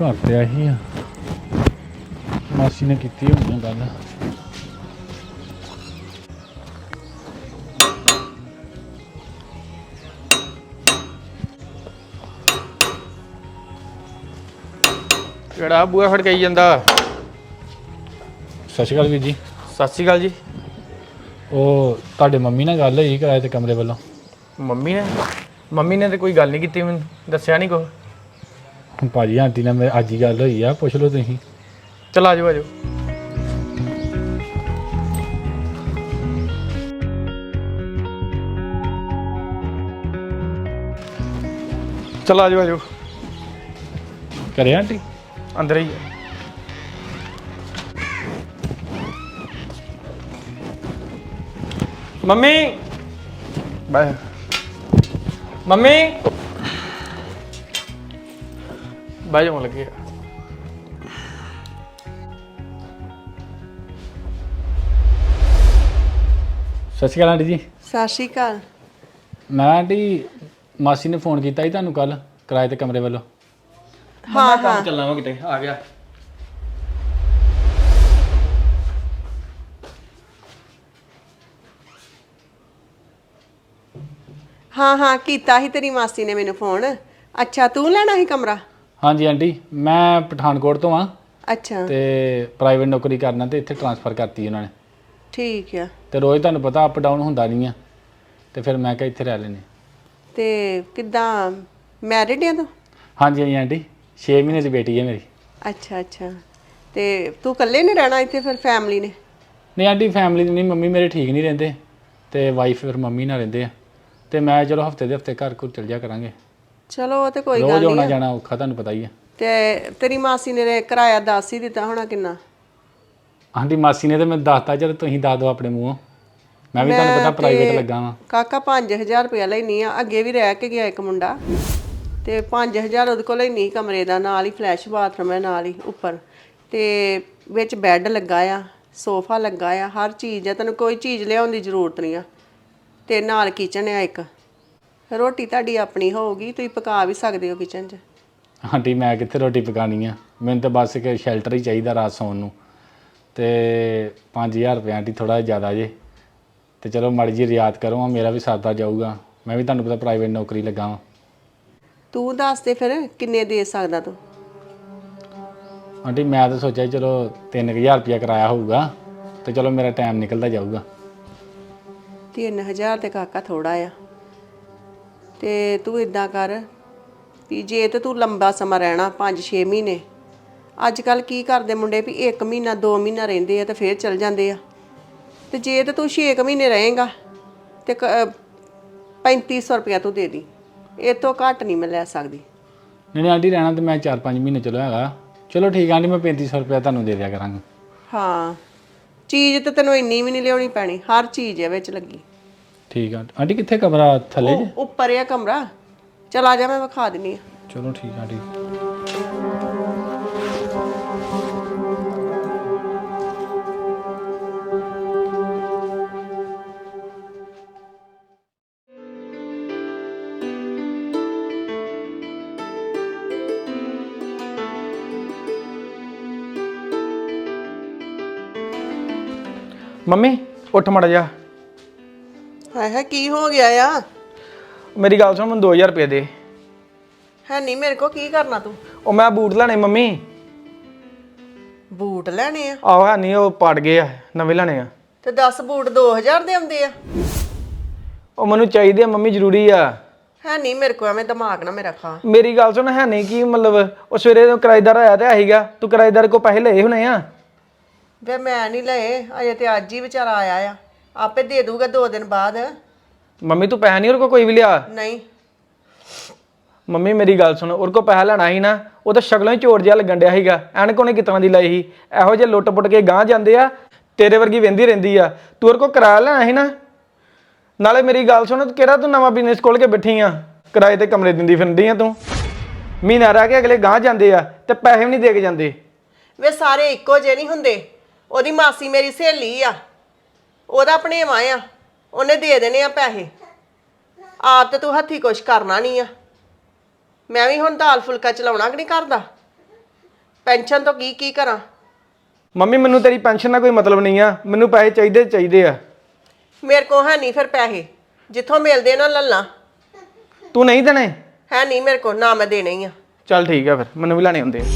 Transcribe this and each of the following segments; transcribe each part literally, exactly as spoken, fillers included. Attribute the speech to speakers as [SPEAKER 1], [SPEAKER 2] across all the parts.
[SPEAKER 1] ਘਰ ਤੇ ਆਹੀ ਆ ਮਾਸੀ ਨੇ ਕੀਤੀ ਹੋਣੀ ਆ ਗੱਲ।
[SPEAKER 2] ਕਿਹੜਾ ਬੂਆ ਫੜ ਕੇ ਆਈ ਜਾਂਦਾ।
[SPEAKER 1] ਸਤਿ ਸ਼੍ਰੀ ਅਕਾਲ ਵੀਰ ਜੀ।
[SPEAKER 2] ਸਤਿ ਸ਼੍ਰੀ ਅਕਾਲ ਜੀ।
[SPEAKER 1] ਉਹ ਤੁਹਾਡੇ ਮੰਮੀ ਨਾਲ ਗੱਲ ਹੋਈ ਕਿਰਾਏ ਤੇ ਕਮਰੇ ਵੱਲੋਂ?
[SPEAKER 2] ਮੰਮੀ ਨੇ ਮੰਮੀ ਨੇ ਤੇ ਕੋਈ ਗੱਲ ਨਹੀਂ ਕੀਤੀ, ਮੈਨੂੰ ਦੱਸਿਆ ਨਹੀਂ ਕੁਛ।
[SPEAKER 1] ਭਾਜੀ ਆਂਟੀ ਨਾਲ ਮੇਰੇ ਅੱਜ ਹੀ ਗੱਲ ਹੋਈ ਆ, ਪੁੱਛ ਲਓ ਤੁਸੀਂ।
[SPEAKER 2] ਚਲ ਆ ਜਾਓ ਆ ਜਾਓ। ਚਲ ਆ ਜਾਓ ਆ ਜਾਓ।
[SPEAKER 1] ਘਰੇ ਆਂਟੀ?
[SPEAKER 2] ਅੰਦਰ ਹੀ ਆ। Mummy bye. ਮੰਮੀ ਬਾਏ ਜਾਣ ਲੱਗੇ।
[SPEAKER 1] ਸਤਿ ਸ਼੍ਰੀ ਅਕਾਲ ਆਂਟੀ ਜੀ।
[SPEAKER 3] ਸਤਿ ਸ਼੍ਰੀ ਅਕਾਲ।
[SPEAKER 1] ਮੈਂ ਆਂਟੀ ਮਾਸੀ ਨੇ ਫੋਨ ਕੀਤਾ ਸੀ ਤੁਹਾਨੂੰ ਕੱਲ ਕਿਰਾਏ ਤੇ ਕਮਰੇ ਵੱਲੋਂ।
[SPEAKER 2] ਹਾਂ ਕੰਮ ਚੱਲਣਾ ਵਾ ਕਿਤੇ ਆ ਗਿਆ।
[SPEAKER 3] ਹਾਂ ਹਾਂ ਕੀਤਾ ਸੀ ਤੇਰੀ ਮਾਸੀ ਨੇ ਮੈਨੂੰ ਫੋਨ। ਅੱਛਾ ਤੂੰ ਲੈਣਾ ਸੀ ਕਮਰਾ?
[SPEAKER 1] ਹਾਂਜੀ ਆਂਟੀ ਮੈਂ ਪਠਾਨਕੋਟ ਤੋਂ ਆ
[SPEAKER 3] ਅੱਛਾ
[SPEAKER 1] ਤੇ ਪ੍ਰਾਈਵੇਟ ਨੌਕਰੀ ਕਰਨਾ ਤੇ ਇੱਥੇ ਟ੍ਰਾਂਸਫਰ ਕਰਤੀ ਉਹਨਾਂ ਨੇ।
[SPEAKER 3] ਠੀਕ ਆ।
[SPEAKER 1] ਤੇ ਰੋਜ਼ ਤੁਹਾਨੂੰ ਪਤਾ ਅਪ ਡਾਊਨ ਹੁੰਦਾ ਨਹੀਂ ਆ ਤੇ ਫਿਰ ਮੈਂ ਕਿਹਾ ਇੱਥੇ ਰਹਿ ਲੈਨੇ।
[SPEAKER 3] ਤੇ ਕਿੱਦਾਂ ਮੈਰਿਡ ਆ ਤੂੰ?
[SPEAKER 1] ਹਾਂਜੀ ਹਾਂਜੀ ਆਂਟੀ ਛੇ ਮਹੀਨੇ ਦੀ ਬੇਟੀ ਹੈ ਮੇਰੀ।
[SPEAKER 3] ਅੱਛਾ ਅੱਛਾ ਤੇ ਤੂੰ ਇਕੱਲੇ ਨਹੀਂ ਰਹਿਣਾ ਇੱਥੇ, ਫਿਰ ਫੈਮਿਲੀ ਨੇ?
[SPEAKER 1] ਨਹੀਂ ਆਂਟੀ ਫੈਮਿਲੀ ਨਹੀਂ, ਮੰਮੀ ਮੇਰੇ ਠੀਕ ਨਹੀਂ ਰਹਿੰਦੇ ਤੇ ਵਾਈਫ ਫਿਰ ਮੰਮੀ ਨਾਲ ਰਹਿੰਦੇ ਆ ਤੇ ਮੈਂ ਚਲੋ ਹਫਤੇ ਦੇ ਹਫਤੇ ਘਰ ਘੁਰ ਚਲ ਜਾ ਕਰਾਂਗੇ।
[SPEAKER 3] ਚਲੋ ਉਹ ਤੇ ਕੋਈ
[SPEAKER 1] ਰੋਜ਼
[SPEAKER 3] ਗੱਲ
[SPEAKER 1] ਆਉਣਾ
[SPEAKER 3] ਨਹੀਂ।
[SPEAKER 1] ਜਾਣਾ ਔਖਾ ਤੁਹਾਨੂੰ ਪਤਾ ਹੀ ਆ।
[SPEAKER 3] ਤੇ ਤੇਰੀ ਮਾਸੀ ਨੇ ਕਿਰਾਇਆ ਦੱਸ ਹੀ ਦਿੱਤਾ ਹੋਣਾ ਕਿੰਨਾ?
[SPEAKER 1] ਆਂਟੀ ਮਾਸੀ ਨੇ ਤੇ ਮੈਨੂੰ ਦੱਸਤਾ, ਚਲ ਤੁਸੀਂ ਦੱਸ ਦਿਓ ਆਪਣੇ ਮੂੰਹੋਂ। ਮੈਂ ਵੀ ਤੁਹਾਨੂੰ ਪਤਾ ਪ੍ਰਾਈਵੇਟ ਲੱਗਾ ਵਾਂ।
[SPEAKER 3] ਕਾਕਾ ਪੰਜ ਹਜ਼ਾਰ ਰੁਪਇਆ ਲੈਣੀ ਆ। ਅੱਗੇ ਵੀ ਰਹਿ ਕੇ ਗਿਆ ਇੱਕ ਮੁੰਡਾ ਤੇ ਪੰਜ ਹਜ਼ਾਰ ਉਹਦੇ ਕੋਲ ਲੈਣੀ ਕਮਰੇ ਦਾ, ਨਾਲ ਹੀ ਫਲੈਸ਼ ਬਾਥਰੂਮ ਹੈ ਨਾਲ ਹੀ ਉੱਪਰ, ਤੇ ਵਿੱਚ ਬੈੱਡ ਲੱਗਾ ਆ, ਸੋਫਾ ਲੱਗਾ ਆ, ਹਰ ਚੀਜ਼ ਆ, ਤੈਨੂੰ ਕੋਈ ਚੀਜ਼ ਲਿਆਉਣ ਦੀ ਜ਼ਰੂਰਤ ਨਹੀਂ ਆ। ਤੇ ਨਾਲ ਕਿਚਨ ਆ ਇੱਕ। ਰੋਟੀ ਤੁਹਾਡੀ ਆਪਣੀ ਹੋਊਗੀ, ਤੁਸੀਂ ਪਕਾ ਵੀ ਸਕਦੇ ਹੋ ਕਿਚਨ 'ਚ।
[SPEAKER 1] ਆਂਟੀ ਮੈਂ ਕਿੱਥੇ ਰੋਟੀ ਪਕਾਉਣੀ ਆ, ਮੈਨੂੰ ਤਾਂ ਬਸ ਇੱਕ ਸ਼ੈਲਟਰ ਹੀ ਚਾਹੀਦਾ ਰਾਤ ਸੌਣ ਨੂੰ। ਤੇ ਪੰਜ ਹਜ਼ਾਰ ਰੁਪਏ ਆਂਟੀ ਥੋੜ੍ਹਾ ਜ਼ਿਆਦਾ ਜੇ, ਤੇ ਚਲੋ ਮਾੜੀ ਜਿਹੀ ਰਿਆਤ ਕਰੋ, ਮੇਰਾ ਵੀ ਸਰਦਾ ਜਾਊਗਾ। ਮੈਂ ਵੀ ਤੁਹਾਨੂੰ ਪਤਾ ਪ੍ਰਾਈਵੇਟ ਨੌਕਰੀ ਲੱਗਾ ਵਾਂ।
[SPEAKER 3] ਤੂੰ ਦੱਸ ਦੇ ਫਿਰ ਕਿੰਨੇ ਦੇ ਸਕਦਾ ਤੂੰ?
[SPEAKER 1] ਆਂਟੀ ਮੈਂ ਤਾਂ ਸੋਚਿਆ ਚਲੋ ਤਿੰਨ ਕੁ ਹਜ਼ਾਰ ਰੁਪਇਆ ਕਿਰਾਇਆ ਹੋਊਗਾ ਤੇ ਚਲੋ ਮੇਰਾ ਟਾਈਮ ਨਿਕਲਦਾ ਜਾਊਗਾ।
[SPEAKER 3] ਤਿੰਨ ਹਜ਼ਾਰ ਤੇ ਕਾਕਾ ਥੋੜਾ ਆ। ਤੇ ਤੂੰ ਇਦਾਂ ਕਰ ਵੀ ਜੇ ਤੇ ਤੂੰ ਲੰਬਾ ਸਮਾਂ ਰਹਿਣਾ ਪੰਜ ਛੇ ਮਹੀਨੇ, ਅੱਜ ਕੱਲ ਕੀ ਕਰਦੇ ਮੁੰਡੇ ਵੀ ਇੱਕ ਮਹੀਨਾ ਦੋ ਮਹੀਨਾ ਰਹਿੰਦੇ ਆ ਤੇ ਫੇਰ ਚਲ ਜਾਂਦੇ ਆ। ਤੇ ਜੇ ਤੇ ਤੂੰ ਛੇ ਕੁ ਮਹੀਨੇ ਰਹੇਗਾ ਤੇ ਪੈਂਤੀ ਸੌ ਰੁਪਇਆ ਤੂੰ ਦੇ ਦੀ, ਇਹ ਤੋਂ ਘੱਟ ਨਹੀਂ ਮੈਂ ਲੈ ਸਕਦੀ।
[SPEAKER 1] ਨਹੀਂ ਨਹੀਂ ਆਂਟੀ ਰਹਿਣਾ ਤਾਂ ਮੈਂ ਚਾਰ ਪੰਜ ਮਹੀਨੇ ਚਲੋ ਹੈਗਾ। ਚਲੋ ਠੀਕ ਆ ਆਂਟੀ ਮੈਂ ਪੈਂਤੀ ਸੌ ਰੁਪਇਆ ਤੁਹਾਨੂੰ ਦੇ ਦਿਆ ਕਰਾਂਗਾ।
[SPEAKER 3] ਹਾਂ ਚੀਜ਼ ਤੇ ਤੈਨੂੰ ਇੰਨੀ ਵੀ ਨਹੀਂ ਲਿਆਉਣੀ ਪੈਣੀ, ਹਰ ਚੀਜ਼ ਹੈ ਵਿੱਚ ਲੱਗੀ।
[SPEAKER 1] ਠੀਕ ਆ ਆਂਟੀ। ਕਿੱਥੇ ਕਮਰਾ ਥੱਲੇ ਜੇ?
[SPEAKER 3] ਉਹ ਉੱਪਰ ਆ ਕਮਰਾ। ਚਲ ਆ ਜਾ ਮੈਂ ਵਿਖਾ ਦਿੰਨੀ ਆ।
[SPEAKER 1] ਚਲੋ ਠੀਕ ਆ ਆਂਟੀ।
[SPEAKER 2] ਮੰਮੀ ਉੱਠ ਮੜ ਜਾ।
[SPEAKER 3] ਹਾਏ ਹਾਏ ਕੀ ਹੋ ਗਿਆ ਆ?
[SPEAKER 2] ਮੇਰੀ ਗੱਲ ਸੁਣ, ਮੈਨੂੰ ਦੋ ਹਜ਼ਾਰ ਰੁਪਏ ਦੇ।
[SPEAKER 3] ਹੈ ਨਹੀਂ ਮੇਰੇ ਕੋ, ਕੀ ਕਰਨਾ ਤੂੰ?
[SPEAKER 2] ਉਹ ਮੈਂ ਬੂਟ ਲੈਣੇ ਮੰਮੀ।
[SPEAKER 3] ਬੂਟ ਲੈਣੇ ਆ?
[SPEAKER 2] ਆਹੋ ਹੈ ਨਹੀਂ, ਉਹ ਪੜ ਗਏ ਆ, ਨਵੇਂ ਲੈਣੇ ਆ।
[SPEAKER 3] ਤੇ ਦਸ ਬੂਟ ਦੋ ਹਜ਼ਾਰ ਦੇ ਆਉਂਦੇ ਆ?
[SPEAKER 2] ਉਹ ਮੈਨੂੰ ਚਾਹੀਦੇ ਆ ਮੰਮੀ, ਜ਼ਰੂਰੀ ਆ।
[SPEAKER 3] ਹੈ ਨਹੀਂ ਮੇਰੇ ਕੋ, ਐਵੇਂ ਦਿਮਾਗ ਨਾ ਮੇਰਾ ਖਾ।
[SPEAKER 2] ਮੇਰੀ ਗੱਲ ਸੁਣ, ਹੈ ਨਹੀਂ ਕੀ ਮਤਲਬ? ਉਹ ਸਵੇਰੇ ਕਿਰਾਏਦਾਰ ਆਇਆ ਤੇ ਆਹੀਗਾ, ਤੂੰ ਕਿਰਾਏਦਾਰ ਕੋ ਪੈਸੇ ਲਏ ਹੋਣੇ ਆ।
[SPEAKER 3] ਵੇ ਮੈਂ ਨਹੀਂ ਲਏ ਅਜੇ, ਤੇ ਅੱਜ ਹੀ ਵਿਚਾਰਾ ਆਇਆ ਆ, ਆਪੇ ਦੇ ਦੂਗਾ ਦੋ ਦਿਨ ਬਾਅਦ।
[SPEAKER 2] ਮੰਮੀ ਤੂੰ ਪੈਸਾ ਨਹੀਂ ਉਹਦੇ ਕੋ ਕੋਈ ਵੀ ਲਿਆ?
[SPEAKER 3] ਨਹੀਂ।
[SPEAKER 2] ਮੰਮੀ ਮੇਰੀ ਗੱਲ ਸੁਣ, ਉਹਦੇ ਕੋ ਪੈਸਾ ਲੈਣਾ ਸੀ ਨਾ, ਉਹ ਤਾਂ ਸ਼ਕਲੋਂ ਹੀ ਚੋਰ ਜਿਹਾ ਲੱਗਣ ਡਿਆ ਸੀਗਾ। ਐਨਕ ਉਹਨੇ ਕਿਤਨਾ ਦੀ ਲਾਈ ਸੀ, ਇਹੋ ਜਿਹੇ ਲੁੱਟ ਪੁੱਟ ਕੇ ਗਾਂਹ ਜਾਂਦੇ ਆ, ਤੇਰੇ ਵਰਗੀ ਵਹਿੰਦੀ ਰਹਿੰਦੀ ਆ। ਤੂੰ ਉਹਦੇ ਕੋ ਕਿਰਾਇਆ ਲੈਣਾ ਸੀ ਨਾ। ਨਾਲੇ ਮੇਰੀ ਗੱਲ ਸੁਣ, ਕਿਹੜਾ ਤੂੰ ਨਵਾਂ ਬਿਜ਼ਨਸ ਖੋਲ ਕੇ ਬੈਠੀ ਆ? ਕਿਰਾਏ ਤੇ ਕਮਰੇ ਦਿੰਦੀ ਫਿਰਦੀ ਆ ਤੂੰ। ਮਹੀਨਾ ਰਹਿ ਕੇ ਅਗਲੇ ਗਾਂਹ ਜਾਂਦੇ ਆ ਤੇ ਪੈਸੇ ਵੀ ਨਹੀਂ ਦੇ ਕੇ ਜਾਂਦੇ।
[SPEAKER 3] ਵੇ ਸਾਰੇ ਇੱਕੋ ਜਿਹੇ ਨਹੀਂ ਹੁੰਦੇ। ਉਹਦੀ ਮਾਸੀ ਮੇਰੀ ਸਹੇਲੀ ਆ, ਉਹਦਾ ਭਣੇਵਾਂ ਆ, ਉਹਨੇ ਦੇ ਦੇਣੇ ਆ ਪੈਸੇ। ਆਪ ਤੇ ਤੂੰ ਹੱਥੀ ਕੁਛ ਕਰਨਾ ਨਹੀਂ ਆ। ਮੈਂ ਵੀ ਹੁਣ ਦਾਲ ਫੁਲਕਾ ਚਲਾਉਣਾ ਕਿ ਨਹੀਂ ਕਰਦਾ। ਪੈਨਸ਼ਨ ਤੋਂ ਕੀ ਕੀ ਕਰਾਂ?
[SPEAKER 2] ਮੰਮੀ ਮੈਨੂੰ ਤੇਰੀ ਪੈਨਸ਼ਨ ਦਾ ਕੋਈ ਮਤਲਬ ਨਹੀਂ ਆ, ਮੈਨੂੰ ਪੈਸੇ ਚਾਹੀਦੇ ਚਾਹੀਦੇ ਆ।
[SPEAKER 3] ਮੇਰੇ ਕੋਲ ਹੈ ਨਹੀਂ ਫਿਰ ਪੈਸੇ, ਜਿੱਥੋਂ ਮਿਲਦੇ ਨਾ ਲੱਲਾ।
[SPEAKER 2] ਤੂੰ ਨਹੀਂ ਦੇਣੇ?
[SPEAKER 3] ਹੈ ਨਹੀਂ ਮੇਰੇ ਕੋਲ, ਨਾ ਮੈਂ ਦੇਣੇ ਹੀ ਆ।
[SPEAKER 2] ਚੱਲ ਠੀਕ ਆ ਫਿਰ, ਮੈਨੂੰ ਵੀ ਲੈਣੇ ਹੁੰਦੇ ਆ।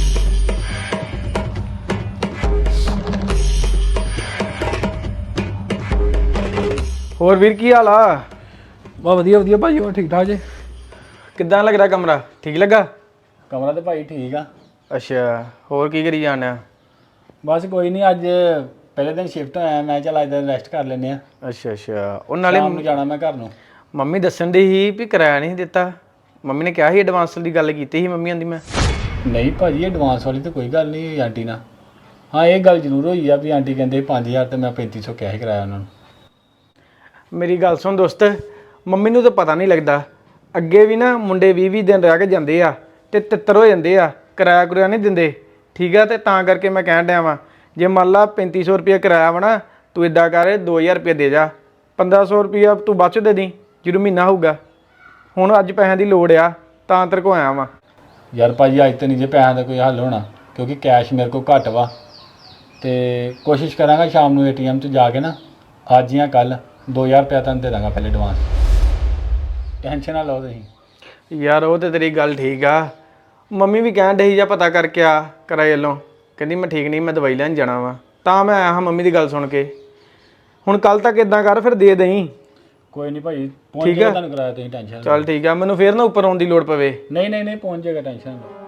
[SPEAKER 2] ਹੋਰ ਵੀਰ ਕੀ ਹਾਲ ਆ?
[SPEAKER 1] ਬਾ ਵਧੀਆ ਵਧੀਆ ਭਾਈ, ਹੋਰ ਠੀਕ ਠਾਕ ਜੇ?
[SPEAKER 2] ਕਿੱਦਾਂ ਲੱਗਦਾ ਕਮਰਾ? ਠੀਕ ਲੱਗਾ?
[SPEAKER 1] ਕਮਰਾ ਤੇ ਭਾਈ ਠੀਕ ਆ।
[SPEAKER 2] ਅੱਛਾ, ਹੋਰ ਕੀ ਕਰੀ ਜਾਣਾ?
[SPEAKER 1] ਬਸ ਕੋਈ ਨਹੀਂ, ਅੱਜ ਪਹਿਲੇ ਦਿਨ ਸ਼ਿਫਟ ਹੋਇਆ, ਮੈਂ ਚੱਲ ਅੱਜ ਦਿਨ ਰੈਸਟ ਕਰ ਲੈਂਦੇ ਆ।
[SPEAKER 2] ਅੱਛਾ ਅੱਛਾ, ਉਹ ਨਾਲੇ
[SPEAKER 1] ਸ਼ਾਮ ਨੂੰ ਜਾਣਾ ਮੈਂ ਘਰ ਨੂੰ।
[SPEAKER 2] ਮੰਮੀ ਦੱਸਣ ਦੀ ਸੀ ਵੀ ਕਿਰਾਇਆ ਨਹੀਂ ਦਿੱਤਾ। ਮੰਮੀ ਨੇ ਕਿਹਾ ਸੀ ਐਡਵਾਂਸ ਦੀ ਗੱਲ ਕੀਤੀ ਸੀ ਮੰਮੀ ਆਂਦੀ ਮੈਂ।
[SPEAKER 1] ਨਹੀਂ ਭਾਜੀ, ਐਡਵਾਂਸ ਵਾਲੀ ਤਾਂ ਕੋਈ ਗੱਲ ਨਹੀਂ ਹੋਈ ਆਂਟੀ ਨਾਲ। ਹਾਂ ਇਹ ਗੱਲ ਜ਼ਰੂਰ ਹੋਈ ਆ ਵੀ ਆਂਟੀ ਕਹਿੰਦੇ ਪੰਜ ਹਜ਼ਾਰ ਤੇ ਮੈਂ ਪੈਂਤੀ ਸੌ ਕਿਹਾ ਸੀ ਕਿਰਾਇਆ ਉਹਨਾਂ ਨੂੰ।
[SPEAKER 2] ਮੇਰੀ ਗੱਲ ਸੁਣ ਦੋਸਤ, ਮੰਮੀ ਨੂੰ ਤਾਂ ਪਤਾ ਨਹੀਂ ਲੱਗਦਾ। ਅੱਗੇ ਵੀ ਨਾ ਮੁੰਡੇ ਵੀਹ ਵੀਹ ਦਿਨ ਰਹਿ ਕੇ ਜਾਂਦੇ ਆ ਤੇ ਤਿੱਤਰ ਹੋ ਜਾਂਦੇ ਆ, ਕਿਰਾਇਆ ਕੁਰਾਇਆ ਨਹੀਂ ਦਿੰਦੇ। ਠੀਕ ਆ, ਤੇ ਤਾਂ ਕਰਕੇ ਮੈਂ ਕਹਿਣ ਡਿਆ ਵਾਂ, ਜੇ ਮੰਨ ਲਾ ਪੈਂਤੀ ਸੌ ਰੁਪਇਆ ਕਿਰਾਇਆ ਵਾ ਨਾ, ਤੂੰ ਇਦਾਂ ਕਰ ਦੋ ਹਜ਼ਾਰ ਰੁਪਇਆ ਦੇ ਜਾ, ਪੰਦਰਾਂ ਸੌ ਰੁਪਇਆ ਤੂੰ ਬਾਅਦ 'ਚ ਦੇ ਦੀ ਜਦੋਂ ਮਹੀਨਾ ਹੋਊਗਾ। ਹੁਣ ਅੱਜ ਪੈਸਿਆਂ ਦੀ ਲੋੜ ਆ ਤਾਂ ਤੇਰੇ ਕੋਲ ਆਇਆ ਵਾਂ।
[SPEAKER 1] ਯਾਰ ਭਾਜੀ ਅੱਜ ਤਾਂ ਨਹੀਂ ਜੇ ਪੈਸਿਆਂ ਦਾ ਕੋਈ ਹੱਲ ਹੋਣਾ, ਕਿਉਂਕਿ ਕੈਸ਼ ਮੇਰੇ ਕੋਲ ਘੱਟ ਵਾ। ਤੇ ਕੋਸ਼ਿਸ਼ ਕਰਾਂਗਾ ਸ਼ਾਮ ਨੂੰ ਏਟੀਐਮ 'ਚ ਜਾ ਕੇ ਨਾ, ਅੱਜ ਜਾਂ ਕੱਲ ਦੋ ਹਜ਼ਾਰ ਰੁਪਇਆ ਤੁਹਾਨੂੰ ਦੇ ਦਾਂਗਾ ਪਹਿਲੇ ਐਡਵਾਂਸ। ਟੈਨਸ਼ਨ ਨਾ ਲਓ ਤੁਸੀਂ।
[SPEAKER 2] ਯਾਰ ਉਹ ਤੇ ਤੇਰੀ ਗੱਲ ਠੀਕ ਆ। ਮੰਮੀ ਵੀ ਕਹਿਣ ਡਈ ਜਾਂ ਪਤਾ ਕਰਕੇ ਆ ਕਿਰਾਏ ਵੱਲੋਂ, ਕਹਿੰਦੀ ਮੈਂ ਠੀਕ ਨਹੀਂ, ਮੈਂ ਦਵਾਈ ਲੈਣ ਜਾਣਾ ਵਾ, ਤਾਂ ਮੈਂ ਆਇਆ ਹਾਂ ਮੰਮੀ ਦੀ ਗੱਲ ਸੁਣ ਕੇ। ਹੁਣ ਕੱਲ ਤੱਕ ਇਦਾਂ ਕਰ, ਫਿਰ ਦੇ ਦੇਈਂ।
[SPEAKER 1] ਕੋਈ ਨਹੀਂ ਭਾਈ, ਪਹੁੰਚ ਜਾਏਗਾ ਤੁਹਾਨੂੰ ਕਿਰਾਇਆ, ਤੁਸੀਂ ਟੈਨਸ਼ਨ ਨਾ
[SPEAKER 2] ਚੱਲ ਠੀਕ ਆ, ਮੈਨੂੰ ਫੇਰ ਨਾ ਉੱਪਰ ਆਉਣ ਦੀ ਲੋੜ ਪਵੇ।
[SPEAKER 1] ਨਹੀਂ ਨਹੀਂ ਨਹੀਂ ਪਹੁੰਚ ਜਾਏਗਾ, ਟੈਨਸ਼ਨ ਨਾ ਲਓ।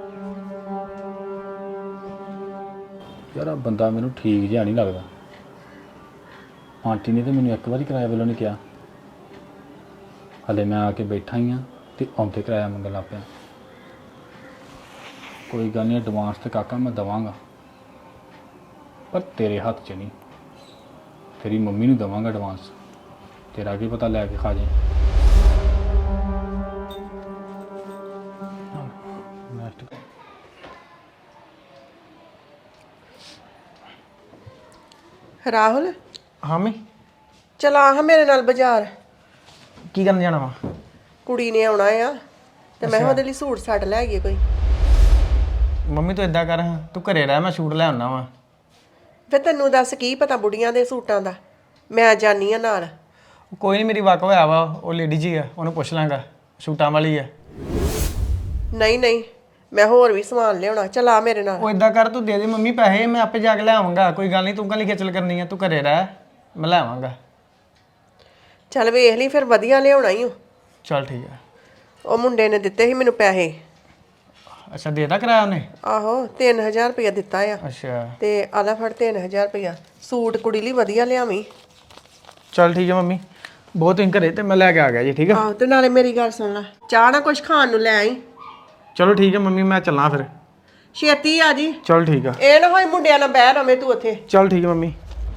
[SPEAKER 1] ਯਾਰ ਆ ਬੰਦਾ ਮੈਨੂੰ ਠੀਕ ਜਿਹਾ ਨਹੀਂ ਲੱਗਦਾ। ਆਂਟੀ ਨੇ ਤਾਂ ਮੈਨੂੰ ਇੱਕ ਵਾਰੀ ਕਿਰਾਇਆ ਵੱਲੋਂ ਨਹੀਂ ਕਿਹਾ, ਹਲੇ ਮੈਂ ਆ ਕੇ ਬੈਠਾ ਹੀ ਆ ਤੇ ਆਉਂਦੇ ਕਿਰਾਇਆ ਮੰਗਣ ਲੱਗ ਪਿਆ। ਕੋਈ ਗੱਲ ਨਹੀਂ, ਐਡਵਾਂਸ ਤੇ ਕਾਕਾ ਮੈਂ ਦੇਵਾਂਗਾ, ਪਰ ਤੇਰੇ ਹੱਥ 'ਚ ਨਹੀਂ, ਤੇਰੀ ਮੰਮੀ ਨੂੰ ਦੇਵਾਂਗਾ ਐਡਵਾਂਸ। ਤੇਰਾ ਕੀ ਪਤਾ ਲੈ ਕੇ ਖਾ ਜਾਏ।
[SPEAKER 3] ਰਾਹੁਲ,
[SPEAKER 2] ਹਾਂ ਮੈਂ
[SPEAKER 3] ਚਲਾ ਹਾਂ ਮੇਰੇ ਨਾਲ ਬਾਜ਼ਾਰ।
[SPEAKER 2] ਕੀ ਕਰਨ ਜਾਣਾ ਵਾ?
[SPEAKER 3] ਕੁੜੀ ਨੇ ਆਉਣਾ ਆ ਤੇ ਮੈਂ ਉਹਦੇ ਲਈ ਸੂਟ ਸਾਟ ਲੈ ਆਈਏ ਕੋਈ।
[SPEAKER 2] ਮੰਮੀ ਤੂੰ ਇਦਾਂ ਕਰ, ਤੂੰ ਘਰੇ ਰਹਿ, ਮੈਂ ਸੂਟ ਲੈ ਆਉਣਾ ਵਾ।
[SPEAKER 3] ਫਿਰ ਤੈਨੂੰ ਦੱਸ ਕੀ ਪਤਾ ਬੁੜੀਆਂ ਦੇ ਸੂਟਾਂ ਦਾ, ਮੈਂ ਜਾਨੀ ਆ ਨਾਲ।
[SPEAKER 2] ਕੋਈ ਨਹੀਂ, ਮੇਰੀ ਵਾਕ ਹੋਇਆ ਵਾ, ਉਹ ਲੇਡੀ ਜੀ ਆ, ਉਹਨੂੰ ਪੁੱਛ ਲਾਂਗਾ, ਸੂਟਾਂ ਵਾਲੀ ਆ।
[SPEAKER 3] ਨਹੀਂ ਨਹੀਂ, ਮੈਂ ਹੋਰ ਵੀ ਸਮਾਨ ਲਿਆਉਣਾ, ਚਲਾ ਮੇਰੇ ਨਾਲ।
[SPEAKER 2] ਉਹ ਇਦਾਂ ਕਰ, ਤੂੰ ਦੇ ਦੇ ਮੰਮੀ ਪੈਸੇ, ਮੈਂ ਆਪੇ ਜਾ ਕੇ ਲੈ ਆਵਾਂਗਾ। ਕੋਈ ਗੱਲ ਨਹੀਂ, ਤੂੰ ਕਾਹਲੀ ਖੇਚਲ ਕਰਨੀ ਆ, ਤੂੰ ਘਰੇ ਰਹਿ, ਮੈਂ ਲੈ ਆਵਾਂਗਾ।
[SPEAKER 3] ਚੱਲ ਵੇਖ ਲਈ, ਫਿਰ ਵਧੀਆ ਲਿਆਉਣਾ ਹੀ।
[SPEAKER 2] ਚੱਲ ਠੀਕ ਆ।
[SPEAKER 3] ਉਹ ਮੁੰਡੇ ਨੇ ਦਿੱਤੇ ਸੀ ਮੈਨੂੰ ਪੈਸੇ।
[SPEAKER 2] ਅੱਛਾ, ਦੇਦਾ ਕਿਰਾਇਆ ਉਹਨੇ?
[SPEAKER 3] ਆਹੋ, ਤਿੰਨ ਹਜ਼ਾਰ ਰੁਪਇਆ ਦਿੱਤਾ ਆ।
[SPEAKER 2] ਅੱਛਾ,
[SPEAKER 3] ਤੇ ਆਲਾ ਫੜ ਤਿੰਨ ਹਜ਼ਾਰ ਰੁਪਇਆ, ਸੂਟ ਕੁੜੀ ਲਈ ਵਧੀਆ ਲਿਆਵੀਂ।
[SPEAKER 2] ਚੱਲ ਠੀਕ ਆ ਮੰਮੀ, ਬਹੁਤ ਤੁਸੀਂ ਘਰੇ ਤੇ ਮੈਂ ਲੈ ਕੇ ਆ ਗਿਆ ਜੀ। ਠੀਕ ਆ?
[SPEAKER 3] ਆਹੋ, ਤੇ ਨਾਲੇ ਮੇਰੀ ਗੱਲ ਸੁਣ ਲੈ, ਚਾਹ ਨਾ ਕੁਝ ਖਾਣ ਨੂੰ ਲੈ ਆਈ।
[SPEAKER 2] ਚਲੋ ਠੀਕ ਆ ਮੰਮੀ, ਮੈਂ ਚੱਲਾਂ ਫਿਰ।
[SPEAKER 3] ਛੇਤੀ ਆ ਜੀ।
[SPEAKER 2] ਚਲ ਠੀਕ ਆ।
[SPEAKER 3] ਇਹ ਨਾ ਹੋਏ ਮੁੰਡਿਆਂ ਨਾਲ ਬਹਿ ਰਵੇਂ ਤੂੰ ਉੱਥੇ।
[SPEAKER 2] ਚਲ ਠੀਕ ਆ ਮੰਮੀ।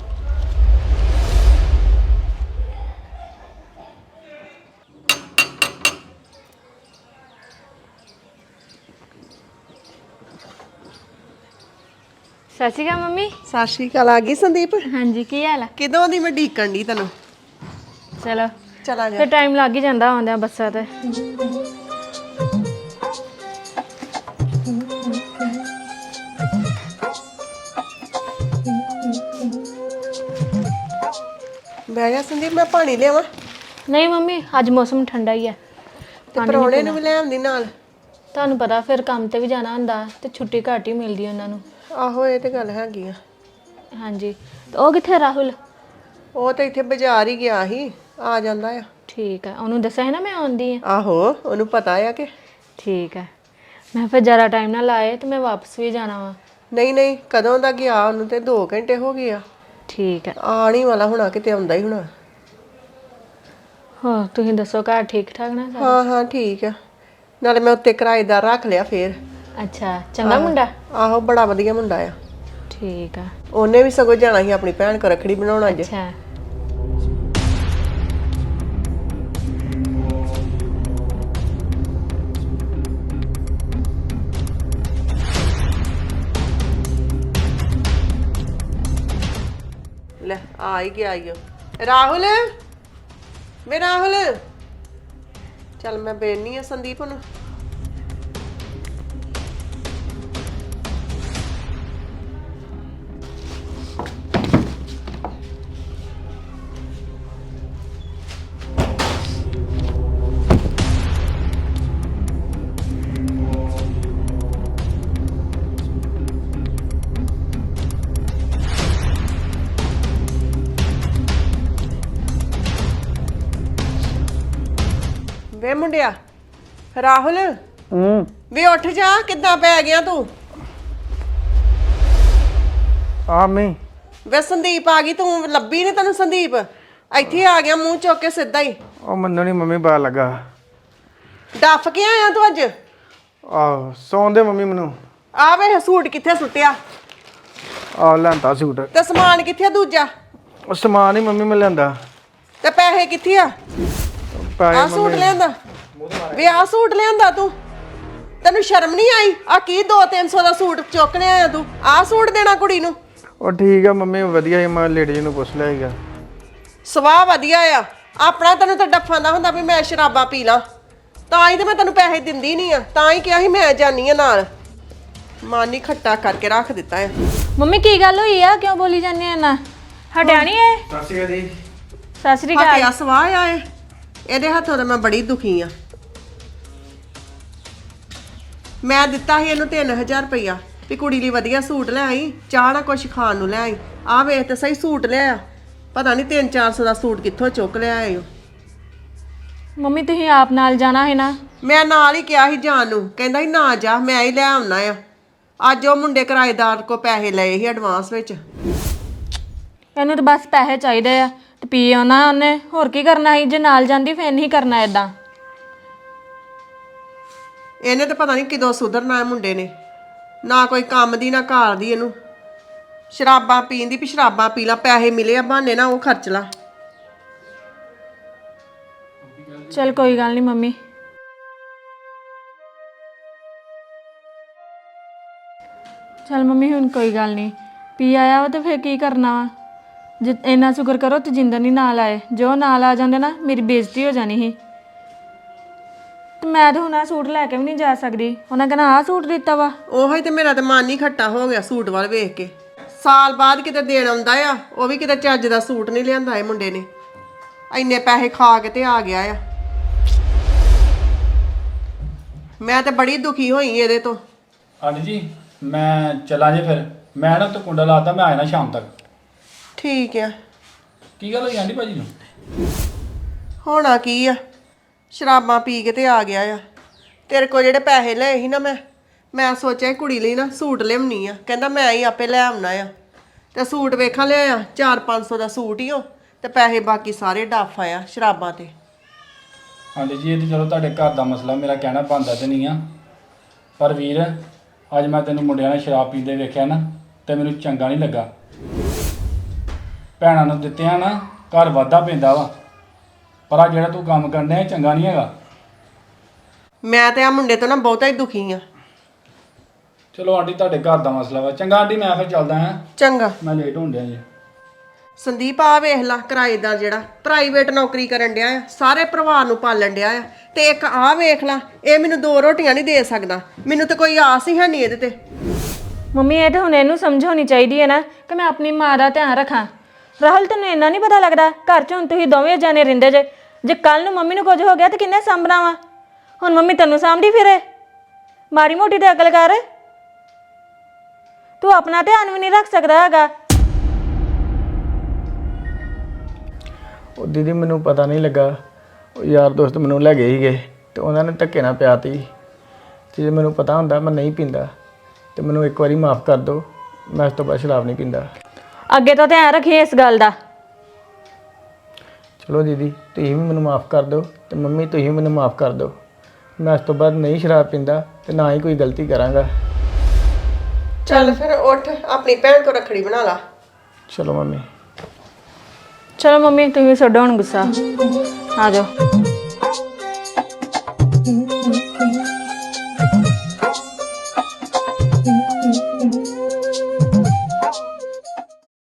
[SPEAKER 4] ਸਤਿ ਸ਼੍ਰੀ ਅਕਾਲ ਮੰਮੀ।
[SPEAKER 3] ਸਤਿ ਸ਼੍ਰੀ ਅਕਾਲ। ਆ ਗਈ ਸੰਦੀਪ?
[SPEAKER 4] ਹਾਂਜੀ, ਕੀ ਹਾਲ ਆ?
[SPEAKER 3] ਕਿਦੋਂ ਦੀ ਮੈਂ ਢੀਕਣ ਦੀ ਤੈਨੂੰ।
[SPEAKER 4] ਚਲੋ
[SPEAKER 3] ਚਲਾ ਜਾ।
[SPEAKER 4] ਫਿਰ ਟਾਈਮ ਲੱਗ ਹੀ ਜਾਂਦਾ ਆਉਂਦਿਆਂ ਬੱਸਾਂ ਤੇ।
[SPEAKER 3] ਬਹਿ ਜਾ ਸੰਦੀਪ, ਮੈਂ ਪਾਣੀ ਲਿਆਵਾਂ?
[SPEAKER 4] ਨਹੀਂ ਮੰਮੀ, ਅੱਜ ਮੌਸਮ ਠੰਡਾ ਹੀ ਆ।
[SPEAKER 3] ਤੇ ਪਰੌਣੇ ਨੂੰ ਵੀ ਲੈ ਆਉਂਦੀ ਨਾਲ।
[SPEAKER 4] ਤੁਹਾਨੂੰ ਪਤਾ ਫਿਰ ਕੰਮ ਤੇ ਵੀ ਜਾਣਾ ਹੁੰਦਾ ਤੇ ਛੁੱਟੀ ਘੱਟ ਹੀ ਮਿਲਦੀ ਉਹਨਾਂ ਨੂੰ।
[SPEAKER 3] ਆਹੋ, ਇਹ ਤੇ ਗੱਲ ਹੈਗੀ ਆ।
[SPEAKER 4] ਹਾਂਜੀ, ਤੇ ਉਹ ਕਿੱਥੇ ਰਾਹੁਲ?
[SPEAKER 3] ਉਹ ਤਾਂ ਇੱਥੇ ਬਾਜ਼ਾਰ ਹੀ ਗਿਆ ਸੀ, ਆ ਜਾਂਦਾ ਆ।
[SPEAKER 4] ਠੀਕ ਆ, ਉਹਨੂੰ ਦੱਸਿਆ ਹੈ ਨਾ ਮੈਂ ਆਉਂਦੀ ਆ।
[SPEAKER 3] ਆਹੋ, ਉਹਨੂੰ ਪਤਾ ਆ ਕਿ।
[SPEAKER 4] ਠੀਕ ਆ, ਮੈਂ ਫਿਰ ਜ਼ਿਆਦਾ ਟਾਈਮ ਨਾ ਲਾਏ ਤੇ ਮੈਂ ਵਾਪਸ ਵੀ ਜਾਣਾ ਵਾ।
[SPEAKER 3] ਨਹੀਂ ਨਹੀਂ, ਕਦੋਂ ਦਾ ਗਿਆ, ਉਹਨੂੰ ਤੇ ਦੋ ਘੰਟੇ ਹੋ ਗਏ ਆ।
[SPEAKER 4] ਠੀਕ ਆ।
[SPEAKER 3] ਆਉਣ ਹੀ ਵਾਲਾ ਹੋਣਾ, ਕਿਤੇ ਆਉਂਦਾ ਹੀ ਹੋਣਾ।
[SPEAKER 4] ਹੋਰ ਤੁਸੀਂ ਦੱਸੋ, ਘਰ ਠੀਕ ਠਾਕ ਨਾ ਸਾਰੇ?
[SPEAKER 3] ਹਾਂ ਹਾਂ ਠੀਕ ਆ। ਨਾਲੇ ਮੈਂ ਉੱਤੇ ਕਿਰਾਏਦਾਰ ਰੱਖ ਲਿਆ ਫੇਰ।
[SPEAKER 4] ਅੱਛਾ, ਚੰਗਾ ਮੁੰਡਾ?
[SPEAKER 3] ਆਹੋ, ਬੜਾ ਵਧੀਆ ਮੁੰਡਾ ਆ।
[SPEAKER 4] ਠੀਕ ਆ।
[SPEAKER 3] ਉਹਨੇ ਵੀ ਸਗੋਂ ਜਾਣਾ ਸੀ ਆਪਣੀ ਭੈਣ ਕੋਲ ਰੱਖੜੀ ਬਣਾਉਣ ਅੱਜ।
[SPEAKER 4] ਅੱਛਾ,
[SPEAKER 3] ਲੈ ਆ ਹੀ ਗਿਆ ਈਓ। ਰਾਹੁਲ, ਵੇ ਰਾਹੁਲ, ਚੱਲ ਮੈਂ ਬੇਨੀ ਆ ਸੰਦੀਪ ਨੂੰ। ਵੇ ਮੁੰਡਿਆ ਰਾਹੁਲ
[SPEAKER 2] ਹੂੰ
[SPEAKER 3] ਵੇ ਉੱਠ ਜਾ ਕਿੱਦਾਂ ਪੈ ਗਿਆ ਤੂੰ
[SPEAKER 2] ਆ ਮੈਂ
[SPEAKER 3] ਵੇ ਸੰਦੀਪ ਆ ਗਈ ਤੂੰ ਲੱਭੀ ਨੀ ਤੈਨੂੰ ਸੰਦੀਪ ਇੱਥੇ ਆ ਗਿਆ ਮੂੰਹ ਚੁੱਕ ਕੇ ਸਿੱਧਾ ਹੀ
[SPEAKER 2] ਉਹ ਮੈਨੂੰ ਨਹੀਂ ਮੰਮੀ ਪਤਾ ਲੱਗਾ
[SPEAKER 3] ਡੱਫ ਕੇ ਆਇਆ ਤੂੰ ਅੱਜ
[SPEAKER 2] ਆ ਸੌਣ ਦੇ ਮੰਮੀ ਮੈਨੂੰ
[SPEAKER 3] ਆ ਵੇ ਸੂਟ ਕਿੱਥੇ ਸੁੱਟਿਆ
[SPEAKER 2] ਆ ਲੈਂਦਾ ਸੂਟ
[SPEAKER 3] ਤੇ ਸਮਾਨ ਕਿੱਥੇ ਆ ਦੂਜਾ
[SPEAKER 2] ਉਹ ਸਮਾਨ ਹੀ ਮੰਮੀ ਮੈਂ ਲਿਆਂਦਾ
[SPEAKER 3] ਤੇ ਪੈਸੇ ਕਿੱਥੇ ਆ
[SPEAKER 2] ਪੈਸੇ
[SPEAKER 3] ਆ ਸੂਟ ਲਿਆਂਦਾ ਵੇ ਆ ਸੂਟ ਲਿਆਂਦਾ ਤੂੰ ਤੈਨੂੰ ਸ਼ਰਮ ਨਹੀਂ ਆਈ ਆ ਕੀ ਦੋ ਤਿੰਨ ਸੌ ਦਾ ਸੂਟ ਚੁੱਕ ਲਿਆਇਆ ਤੂੰ ਆ ਸੂਟ ਦੇਣਾ ਕੁੜੀ ਨੂੰ
[SPEAKER 2] ਉਹ ਠੀਕ ਆ ਮੰਮੀ ਵਧੀਆ ਹੀ ਮੈਂ ਲੇਡੀ ਜੀ ਨੂੰ ਪੁੱਛ ਲਿਆ ਸੀਗਾ
[SPEAKER 3] ਸਵਾਹ ਵਧੀਆ ਆ ਆਪਣਾ ਤੈਨੂੰ ਤਾਂ ਡੱਫਾਂ ਦਾ ਹੁੰਦਾ ਵੀ ਮੈਂ ਸ਼ਰਾਬਾਂ ਪੀ ਲਾਂ ਤਾਂ ਹੀ ਤੇ ਮੈਂ ਤੈਨੂੰ ਪੈਸੇ ਦਿੰਦੀ ਨਹੀਂ ਆ ਤਾਂ ਹੀ ਕਿਹਾ ਸੀ ਮੈਂ ਜਾਨੀ ਆ ਨਾਲ ਮਾਨੀ ਖੱਟਾ ਕਰਕੇ ਰੱਖ ਦਿੱਤਾ ਆ
[SPEAKER 4] ਮੰਮੀ ਕੀ ਗੱਲ ਹੋਈ ਆ ਕਿਉਂ ਬੋਲੀ ਜਾਂਦੇ ਆ ਨਾ ਹਟਿਆ ਨਹੀਂ ਏ
[SPEAKER 2] ਸਤਿ ਸ਼੍ਰੀ ਅਕਾਲ ਜੀ
[SPEAKER 4] ਸਤਿ ਸ੍ਰੀ ਅਕਾਲ
[SPEAKER 3] ਹੱਥਿਆ ਸਵਾਹ ਆ ਇਹ ਇਹਦੇ ਹੱਥੋਂ ਤਾਂ ਮੈਂ ਬੜੀ ਦੁਖੀ ਆ ਮੈਂ ਦਿੱਤਾ ਸੀ ਇਹਨੂੰ ਤਿੰਨ ਹਜ਼ਾਰ ਰੁਪਈਆ ਵੀ ਕੁੜੀ ਲਈ ਵਧੀਆ ਸੂਟ ਲੈ ਆਈ ਚਾਹ ਨਾ ਕੁਛ ਖਾਣ ਨੂੰ ਲੈ ਆਈ ਆ ਵੇਖ ਤੇ ਸਹੀ ਸੂਟ ਲਿਆ ਪਤਾ ਨਹੀਂ ਤਿੰਨ ਚਾਰ ਸੌ ਦਾ ਸੂਟ ਕਿੱਥੋਂ ਚੁੱਕ ਲਿਆ ਆਏ ਹੋ
[SPEAKER 4] ਮੰਮੀ ਤੁਸੀਂ ਆਪ ਨਾਲ ਜਾਣਾ ਹੈ ਨਾ
[SPEAKER 3] ਮੈਂ ਨਾਲ ਹੀ ਕਿਹਾ ਸੀ ਜਾਣ ਨੂੰ ਕਹਿੰਦਾ ਸੀ ਨਾ ਜਾ ਮੈਂ ਹੀ ਲੈ ਆਉਣਾ ਆ ਅੱਜ ਉਹ ਮੁੰਡੇ ਕਿਰਾਏਦਾਰ ਕੋ ਪੈਸੇ ਲਏ ਸੀ ਐਡਵਾਂਸ ਵਿੱਚ
[SPEAKER 4] ਇਹਨੂੰ ਤਾਂ ਬਸ ਪੈਸੇ ਚਾਹੀਦੇ ਆ ਤੇ ਪੀ ਆਉਣਾ ਉਹਨੇ ਹੋਰ ਕੀ ਕਰਨਾ ਸੀ ਜੇ ਨਾਲ ਜਾਂਦੀ ਫੇਰ ਨਹੀਂ ਕਰਨਾ ਇਦਾਂ
[SPEAKER 3] ਇਹਨੇ ਤਾਂ ਪਤਾ ਨਹੀਂ ਕਿਦੋਂ ਸੁਧਰਨਾ ਹੈ ਮੁੰਡੇ ਨੇ ਨਾ ਕੋਈ ਕੰਮ ਦੀ ਨਾ ਘਰ ਦੀ ਇਹਨੂੰ ਸ਼ਰਾਬਾਂ ਪੀਣ ਦੀ ਵੀ ਸ਼ਰਾਬਾਂ ਪੀ ਲਾ ਪੈਸੇ ਮਿਲੇ ਆ ਬਹਾਨੇ ਨਾ ਉਹ ਖਰਚ ਲਾ
[SPEAKER 4] ਚਲ ਕੋਈ ਗੱਲ ਨਹੀਂ ਮੰਮੀ ਚਲ ਮੰਮੀ ਹੁਣ ਕੋਈ ਗੱਲ ਨਹੀਂ ਪੀ ਆਇਆ ਵਾ ਤੇ ਫੇਰ ਕੀ ਕਰਨਾ ਵਾ ਜੇ ਇੰਨਾ ਸ਼ੁਕਰ ਕਰੋ ਤੇ ਜਿੰਦਰ ਨਹੀਂ ਨਾਲ ਆਏ ਜੋ ਨਾਲ ਆ ਜਾਂਦੇ ਨਾ ਮੇਰੀ ਬੇਇੱਜ਼ਤੀ ਹੋ ਜਾਣੀ ਸੀ ਤੇ ਮੈਂ ਤਾਂ ਹੁਣ ਆਹ ਸੂਟ ਲੈ ਕੇ ਵੀ ਨਹੀਂ ਜਾ ਸਕਦੀ ਉਹਨਾਂ ਕਹਿੰਦਾ ਆਹ ਸੂਟ ਦਿੱਤਾ ਵਾ
[SPEAKER 3] ਉਹੋ ਹੀ ਤੇ ਮੇਰਾ ਤੇ ਮਨ ਹੀ ਖੱਟਾ ਹੋ ਗਿਆ ਸੂਟ ਵੱਲ ਵੇਖ ਕੇ ਸਾਲ ਬਾਅਦ ਕਿਤੇ ਦੇਣ ਆਉਂਦਾ ਆ ਉਹ ਵੀ ਕਿਤੇ ਚੱਜ ਦਾ ਸੂਟ ਨਹੀਂ ਲਿਆਂਦਾ ਇਹ ਮੁੰਡੇ ਨੇ ਇੰਨੇ ਪੈਸੇ ਖਾ ਕੇ ਤੇ ਆ ਗਿਆ ਆ ਮੈਂ ਤੇ ਬੜੀ ਦੁਖੀ ਹੋਈ ਇਹਦੇ ਤੋਂ
[SPEAKER 1] ਹਾਂਜੀ ਜੀ ਮੈਂ ਚਲਾਂ ਜੇ ਫਿਰ ਮੈਂ ਨਾ ਉੱਤੇ ਕੁੰਡਾ ਲਾਤਾ ਮੈਂ ਆ ਜਾਣਾ ਸ਼ਾਮ ਤੱਕ
[SPEAKER 3] ਠੀਕ ਆ
[SPEAKER 1] ਕੀ ਗੱਲ ਹੋਈ ਆਂਟੀ ਭਾਜੀ ਨੂੰ
[SPEAKER 3] ਹੋਣਾ ਕੀ ਆ ਸ਼ਰਾਬਾਂ ਪੀ ਕੇ ਤੇ ਆ ਗਿਆ ਆ ਤੇਰੇ ਕੋਲ ਜਿਹੜੇ ਪੈਸੇ ਲਏ ਸੀ ਨਾ ਮੈਂ ਮੈਂ ਸੋਚਿਆ ਕੁੜੀ ਲਈ ਨਾ ਸੂਟ ਲਿਆਉਣੀ ਆ ਕਹਿੰਦਾ ਮੈਂ ਹੀ ਆਪੇ ਲੈ ਆਉਣਾ ਆ ਤੇ ਸੂਟ ਵੇਖਾਂ ਲਿਆ ਚਾਰ ਪੰਜ ਸੌ ਦਾ ਸੂਟ ਹੀ ਉਹ ਤੇ ਪੈਸੇ ਬਾਕੀ ਸਾਰੇ ਡੱਫ ਆਇਆ ਸ਼ਰਾਬਾਂ ਤੇ
[SPEAKER 1] ਹਾਂਜੀ ਜੀ ਇਹ ਤਾਂ ਚਲੋ ਤੁਹਾਡੇ ਘਰ ਦਾ ਮਸਲਾ ਮੇਰਾ ਕਹਿਣਾ ਬਣਦਾ ਤੇ ਨਹੀਂ ਆ ਪਰ ਵੀਰ ਅੱਜ ਮੈਂ ਤੈਨੂੰ ਮੁੰਡਿਆਂ ਨਾਲ ਸ਼ਰਾਬ ਪੀਂਦੇ ਵੇਖਿਆ ਨਾ ਤੇ ਮੈਨੂੰ ਚੰਗਾ ਨਹੀਂ ਲੱਗਾ ਭੈਣਾਂ ਨੂੰ ਦਿੱਤਿਆਂ ਨਾ ਘਰ ਵਾਧਾ ਪੈਂਦਾ ਵਾ ਪਰ ਆ ਜਿਹੜਾ ਤੂੰ ਕੰਮ ਕਰਦਾ ਇਹ ਚੰਗਾ ਨਹੀਂ ਹੈਗਾ
[SPEAKER 3] ਮੈਂ ਤੇ ਆ ਮੁੰਡੇ ਤੋਂ ਨਾ ਬਹੁਤਾ ਹੀ ਦੁਖੀ ਆ
[SPEAKER 1] ਚਲੋ ਆਂਟੀ ਤੁਹਾਡੇ ਘਰ ਦਾ ਮਸਲਾ ਵਾ ਚੰਗਾ ਆਂਟੀ ਮੈਂ ਫਿਰ ਚੱਲਦਾ ਹਾਂ
[SPEAKER 3] ਚੰਗਾ
[SPEAKER 1] ਮੈਂ ਲੇਟ ਹੋਣ ਡਿਆ ਜੀ
[SPEAKER 3] ਸੰਦੀਪ ਆ ਵੇਖ ਲਾ ਕਿਰਾਏਦਾਰ ਜਿਹੜਾ ਪ੍ਰਾਈਵੇਟ ਨੌਕਰੀ ਕਰਨ ਡਿਆ ਆ ਸਾਰੇ ਪਰਿਵਾਰ ਨੂੰ ਪਾਲਣ ਡਿਆ ਆ ਤੇ ਇੱਕ ਆ ਵੇਖ ਲਾ ਇਹ ਮੈਨੂੰ ਦੋ ਰੋਟੀਆਂ ਨਹੀਂ ਦੇ ਸਕਦਾ ਮੈਨੂੰ ਤਾਂ ਕੋਈ ਆਸ ਹੀ ਹੈ ਨਹੀਂ ਇਹਦੇ ਤੇ
[SPEAKER 4] ਮੰਮੀ ਇਹ ਤਾਂ ਹੁਣ ਇਹਨੂੰ ਸਮਝਾਉਣੀ ਚਾਹੀਦੀ ਹੈ ਨਾ ਕਿ ਮੈਂ ਆਪਣੀ ਮਾਂ ਦਾ ਧਿਆਨ ਰੱਖਾਂ ਰਾਹੁਲ ਤੈਨੂੰ ਇੰਨਾ ਨਹੀਂ ਪਤਾ ਲੱਗਦਾ ਘਰ 'ਚ ਹੁਣ ਤੁਸੀਂ ਦੋਵੇਂ ਜਾਣੇ ਰਹਿੰਦੇ ਜੇ ਜੇ ਕੱਲ ਨੂੰ ਮੰਮੀ ਨੂੰ ਕੁਝ ਹੋ ਗਿਆ ਤਾਂ ਕਿੰਨੇ ਸਾਂਭਣਾ ਵਾ ਹੁਣ ਮੰਮੀ ਤੈਨੂੰ ਸਾਂਭਦੀ ਫਿਰੇ ਮਾੜੀ ਮੋਟੀ ਤੇ ਅਕਲ ਕਰ ਤੂੰ ਆਪਣਾ ਧਿਆਨ ਵੀ ਨਹੀਂ ਰੱਖ ਸਕਦਾ ਹੈਗਾ
[SPEAKER 2] ਉਹ ਦੀਦੀ ਮੈਨੂੰ ਪਤਾ ਨਹੀਂ ਲੱਗਾ ਉਹ ਯਾਰ ਦੋਸਤ ਮੈਨੂੰ ਲੈ ਗਏ ਸੀਗੇ ਤੇ ਉਹਨਾਂ ਨੇ ਧੱਕੇ ਨਾਲ ਪਿਆਤੀ ਤੇ ਜੇ ਮੈਨੂੰ ਪਤਾ ਹੁੰਦਾ ਮੈਂ ਨਹੀਂ ਪੀਂਦਾ ਤੇ ਮੈਨੂੰ ਇੱਕ ਵਾਰੀ ਮਾਫ ਕਰ ਦਿਓ ਮੈਂ ਇਸ ਤੋਂ ਬਾਅਦ ਸ਼ਰਾਬ ਨਹੀਂ ਪੀਂਦਾ
[SPEAKER 4] ਅੱਗੇ ਤੋਂ ਧਿਆਨ ਰੱਖੀ ਇਸ ਗੱਲ ਦਾ
[SPEAKER 2] ਚਲੋ ਦੀਦੀ ਤੁਸੀਂ ਵੀ ਮੈਨੂੰ ਮਾਫ ਕਰ ਦਿਓ ਤੇ ਮੰਮੀ ਤੁਸੀਂ ਵੀ ਮੈਨੂੰ ਮਾਫ ਕਰ ਦਿਓ ਮੈਂ ਇਸ ਤੋਂ ਬਾਅਦ ਨਹੀਂ ਸ਼ਰਾਬ ਪੀਂਦਾ ਤੇ ਨਾ ਹੀ ਕੋਈ ਗਲਤੀ ਕਰਾਂਗਾ
[SPEAKER 3] ਚੱਲ ਫਿਰ ਉੱਠ ਆਪਣੀ ਭੈਣ ਤੋਂ ਰੱਖੜੀ ਬਣਾ ਲਾ
[SPEAKER 2] ਚਲੋ ਮੰਮੀ
[SPEAKER 4] ਚਲੋ ਮੰਮੀ ਤੁਸੀਂ ਛੱਡੋ ਹੁਣ ਗੁੱਸਾ ਆ ਜਾਓ